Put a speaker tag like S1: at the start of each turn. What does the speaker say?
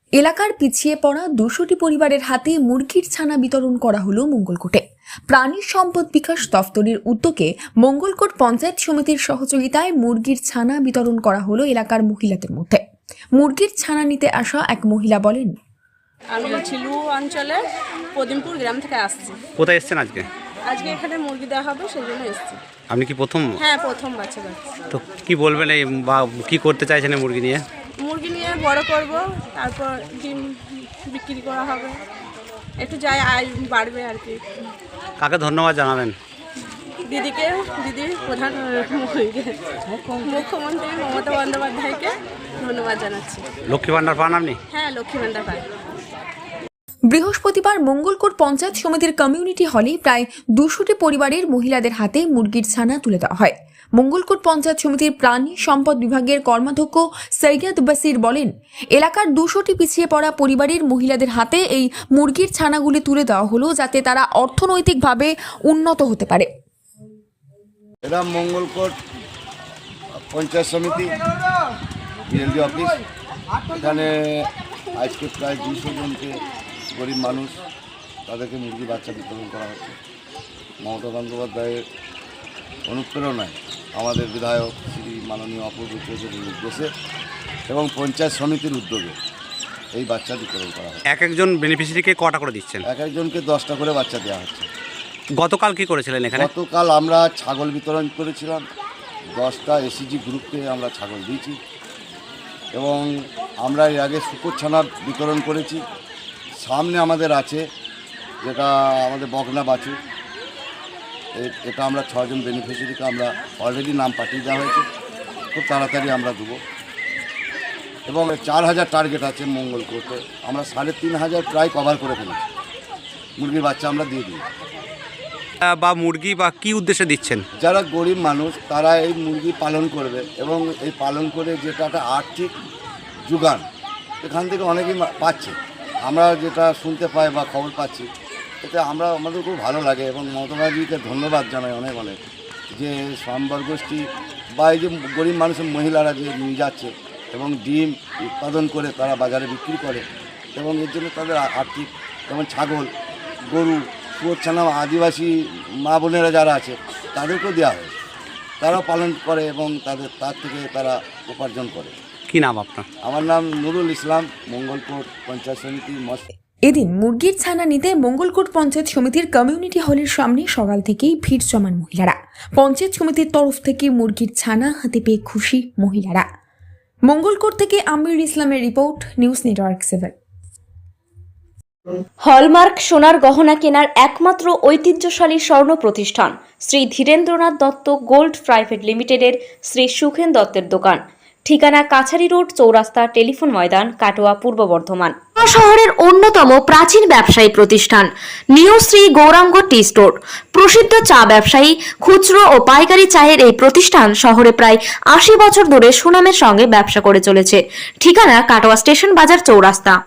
S1: এলাকার পিছিয়ে পড়া 200টি পরিবারের হাতে মুরগির ছানা বিতরণ করা হলো মঙ্গলকোটে। প্রাণী সম্পদ বিকাশ দফতরের উদ্যোগে মঙ্গলকোট পঞ্চায়েত সমিতির সহযোগিতায় মুরগির ছানা বিতরণ করা হলো এলাকার মহিলাদের মধ্যে। মুরগির ছানা নিতে আসা এক মহিলা বলেন,
S2: আমি ছিলু অঞ্চলে পদিমপুর গ্রাম থেকে আসছি।
S3: কোথায় এসেছেন আজকে?
S2: আজকে এখানে মুরগি দেওয়া হবে সেই জন্য এসেছি।
S3: আপনি কি প্রথম?
S2: হ্যাঁ, প্রথম বাচ্চা।
S3: তো কি বলবেন এই বা কি করতে চাইছেন এই মুরগি নিয়ে?
S2: মুরগি নিয়ে বড় করব, তারপর ডিম বিক্রি করা হবে, একটু যাই আয় বাড়বে আর কি।
S3: কাকে ধন্যবাদ জানাবেন?
S2: দিদিকে, দিদির প্রধান মুখ্যমন্ত্রী মমতা বন্দ্যোপাধ্যায়কে ধন্যবাদ জানাচ্ছি।
S3: লক্ষ্মী ভান্ডার পান আপনি?
S2: হ্যাঁ, লক্ষ্মী ভান্ডার পাই।
S1: বৃহস্পতিবার মঙ্গলকোট পঞ্চায়েত সমিতির কমিউনিটি হলে প্রায় 200টি পরিবারের মহিলাদের হাতে মুরগির ছানা তুলে দেওয়া হয়। মঙ্গলকোট পঞ্চায়েত সমিতির প্রাণী সম্পদ বিভাগের কর্মাধ্যক্ষ সৈয়দ বাসির বলেন, এলাকার 200টি পিছিয়ে পড়া পরিবারের মহিলাদের হাতে এই মুরগির ছানাগুলি তুলে দেওয়া হলো যাতে তারা অর্থনৈতিকভাবে উন্নত হতে পারে।
S4: এটা মঙ্গলকোট পঞ্চায়েত সমিতি বিএলডি অফিস। এখানে আজকে প্রায় 200 জনকে গরিব মানুষ তাদেরকে মুরগি বাচ্চা বিতরণ করা হচ্ছে। মমতা বন্দ্যোপাধ্যায়ের অনুপ্রেরণায় আমাদের বিধায়ক শ্রী মাননীয় অপূর্ব চৌধুরীর নির্দেশে এবং পঞ্চায়েত সমিতির উদ্যোগে এই বাচ্চা বিতরণ করা হয়।
S3: এক একজন বেনিফিশিয়ারিকে কটা করে দিচ্ছেন?
S4: এক একজনকে 10টা করে বাচ্চা দেওয়া হচ্ছে।
S3: গতকাল কি করেছিলেন এখানে?
S4: গতকাল আমরা ছাগল বিতরণ করেছিলাম। 10টা এসিজি গ্রুপকে আমরা ছাগল দিয়েছি এবং আমরা এর আগে শুকুর ছানা বিতরণ করেছি। সামনে আমাদের আছে যেটা আমাদের বকনা বাছু, এটা আমরা 6 জন বেনিফিশিয়ারিকে আমরা অলরেডি নাম পাঠিয়ে দেওয়া হয়েছে, খুব তাড়াতাড়ি আমরা দেবো। এবং 4000 টার্গেট আছে মঙ্গলকোটে, আমরা 3500 প্রায় কভার করে ফেলেছি। মুরগির বাচ্চা আমরা দিয়ে দিই।
S3: বা মুরগি বা কি উদ্দেশ্যে দিচ্ছেন?
S4: যারা গরিব মানুষ তারা এই মুরগি পালন করবে এবং এই পালন করে যেটা একটা আর্থিক যোগান এখান থেকে অনেকেই পাচ্ছে। আমরা যেটা শুনতে পাই বা খবর পাচ্ছি, এতে আমাদের খুব ভালো লাগে এবং মমতাবাজিকে ধন্যবাদ জানাই অনেক অনেক, যে স্বয়ম্বর গোষ্ঠী বা এই যে গরিব মানুষের মহিলারা যে নিয়ে যাচ্ছে এবং ডিম উৎপাদন করে তারা বাজারে বিক্রি করে এবং এর জন্য তাদের আর্থিক, যেমন ছাগল, গরু, শুয়োর ছানা আদিবাসী মা বোনেরা যারা আছে তাদেরকেও দেওয়া হয়, তারাও পালন করে এবং তার থেকে তারা উপার্জন করে।
S3: কি নাম আপনার?
S4: আমার নাম নুরুল ইসলাম, মঙ্গলকোট পঞ্চায়েত সমিতি।
S1: এদিন মুরগির ছানা নিতে মঙ্গলকোট পঞ্চায়েত সমিতির কমিউনিটি হলের সামনে সকাল থেকেই ভিড় জমান মহিলারা। পঞ্চায়েত সমিতির তরফ থেকে মুরগির ছানা হাতে পেয়ে খুশি মহিলারা। মঙ্গলকোট থেকে আমির ইসলামের রিপোর্ট, নিউজ নেটওয়ার্ক 7।
S5: হলমার্ক সোনার গহনা কেনার একমাত্র ঐতিহ্যশালী স্বর্ণ প্রতিষ্ঠান শ্রী ধীরেন্দ্রনাথ দত্ত গোল্ড প্রাইভেট লিমিটেডের শ্রী সুখেন দত্তের দোকান। ঠিকানা কাছারি রোড, চৌরাস্তা, টেলিফোন ময়দান, কাটোয়া, পূর্ব বর্ধমান। শহরের অন্যতম প্রাচীন ব্যবসায়ী প্রতিষ্ঠান new Shri Gouranga tea store. প্রসিদ্ধ চা ব্যবসায়ী, খুচরো ও পাইকারি চায়ের এই প্রতিষ্ঠান শহরে প্রায় 80 বছর ধরে সুনামের সঙ্গে ব্যবসা করে চলেছে। ঠিকানা কাটোয়া স্টেশন বাজার, চৌরাস্তা।